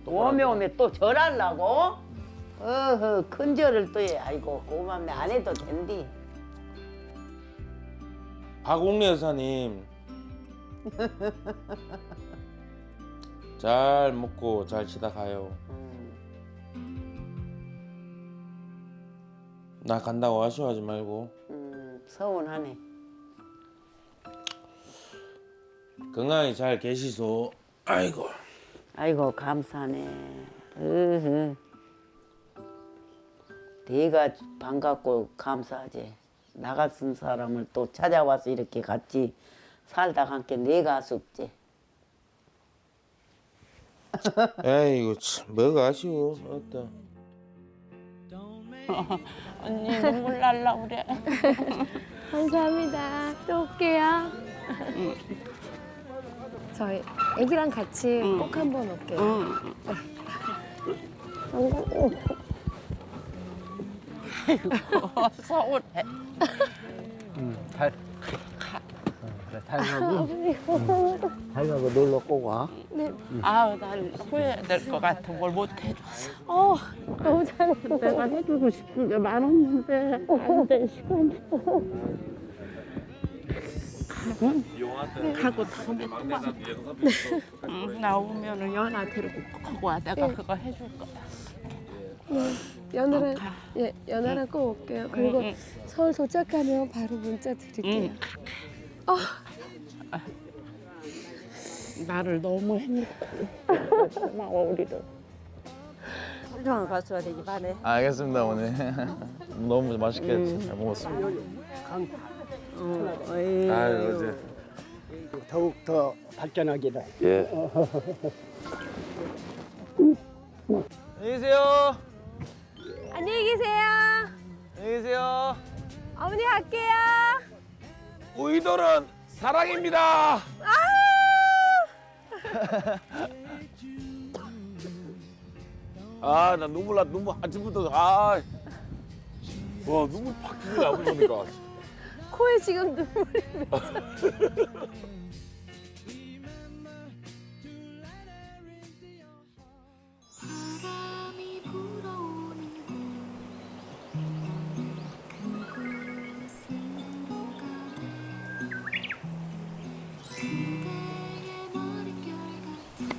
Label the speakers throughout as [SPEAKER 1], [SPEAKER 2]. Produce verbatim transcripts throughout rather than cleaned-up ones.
[SPEAKER 1] 오메 오메 또 절하려고? 어허 큰 절을 또 해. 아이고 고맙네. 안 해도 된디.
[SPEAKER 2] 박옥래 여사님 잘 먹고 잘 쉬다 가요. 나 간다고 아쉬워하지 말고
[SPEAKER 1] 음 서운하네.
[SPEAKER 2] 건강히 잘 계시소. 아이고.
[SPEAKER 1] 아이고 감사하네. 으흐. 내가 반갑고 감사하지. 나 같은 사람을 또 찾아와서 이렇게 같이 살다 함께 내가 아쉽지.
[SPEAKER 2] 에이구 참 뭐가 아쉬워. 어따.
[SPEAKER 3] 언니 눈물 날라 그래.
[SPEAKER 4] 감사합니다. 또 올게요. 저희 애기랑 같이 꼭 한번 올게요.
[SPEAKER 3] 서울에.
[SPEAKER 5] 달, 그래, 달 가고, 달 가고 놀러 꼭 와.
[SPEAKER 4] 네.
[SPEAKER 3] 아우 난 후회될 것 같아. 뭘 못 해줘서.
[SPEAKER 4] 어, 너무 잘했어.
[SPEAKER 3] 내가 해주고 싶은 게 많았는데 안 돼 시간이. 가고 다음에 또 와. 응, 나오면은 연아 데리고 꼭 와. 내가
[SPEAKER 4] 네.
[SPEAKER 3] 그거 해줄 거야.
[SPEAKER 4] 네. 연아랑,
[SPEAKER 3] 가.
[SPEAKER 4] 예, 연아랑 꼭 올게요. 그리고
[SPEAKER 3] 응, 응.
[SPEAKER 4] 서울 도착하면 바로 문자 드릴게요.
[SPEAKER 3] 응. 나를 너무 힘들어. 고마워 우리를.
[SPEAKER 1] 훌륭한 가수가 되기 바래.
[SPEAKER 6] 알겠습니다 오늘 너무 맛있게 잘 먹었습니다.
[SPEAKER 2] 아유 어제.
[SPEAKER 5] 더욱 더 발전하기를.
[SPEAKER 6] 예. 안녕히 계세요.
[SPEAKER 4] 안녕히 계세요.
[SPEAKER 6] 안녕히 계세요.
[SPEAKER 4] 어머니 갈게요.
[SPEAKER 2] 우이돌은 사랑입니다.
[SPEAKER 7] 아, 나 눈물 나 눈물 아침부터 아, 와 눈물 팍 튀기네 아버지 보니까.
[SPEAKER 4] 코에 지금 눈물이.
[SPEAKER 8] 바람이 불어오는 그곳으로 가네 그대의 머릿결 같은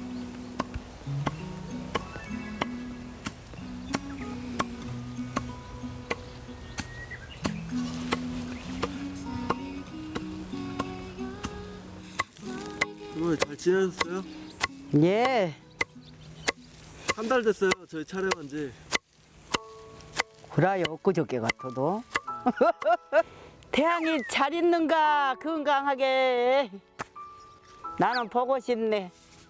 [SPEAKER 9] 오늘 잘 지내셨어요?
[SPEAKER 1] 예.
[SPEAKER 9] 한 달 됐어요. 저희 촬영한 지.
[SPEAKER 1] 그래요 엊그저께 같아도. 태양이 잘 있는가 건강하게. 나는 보고 싶네.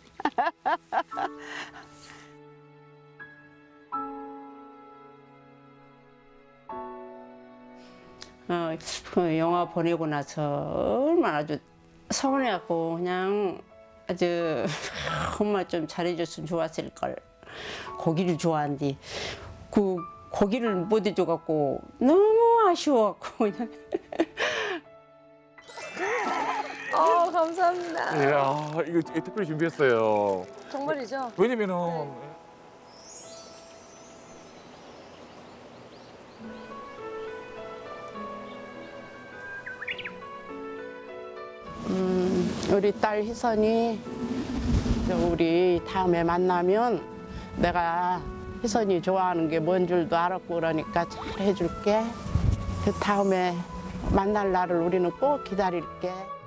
[SPEAKER 1] 어, 그 영화 보내고 나서 얼마나 아주 서운해갖고 그냥 아주 엄마 좀 잘해줬으면 좋았을 걸. 고기를 좋아한디 그 고기를 못 해줘갖고 너무 아쉬워갖고 그냥.
[SPEAKER 4] 어, 감사합니다.
[SPEAKER 7] 이야, 이거 특별히 준비했어요.
[SPEAKER 4] 정말이죠?
[SPEAKER 7] 왜냐면은
[SPEAKER 3] 음, 우리 딸 희선이 우리 다음에 만나면 내가 희선이 좋아하는 게 뭔 줄도 알았고 그러니까 잘 해줄게. 그 다음에 만날 날을 우리는 꼭 기다릴게.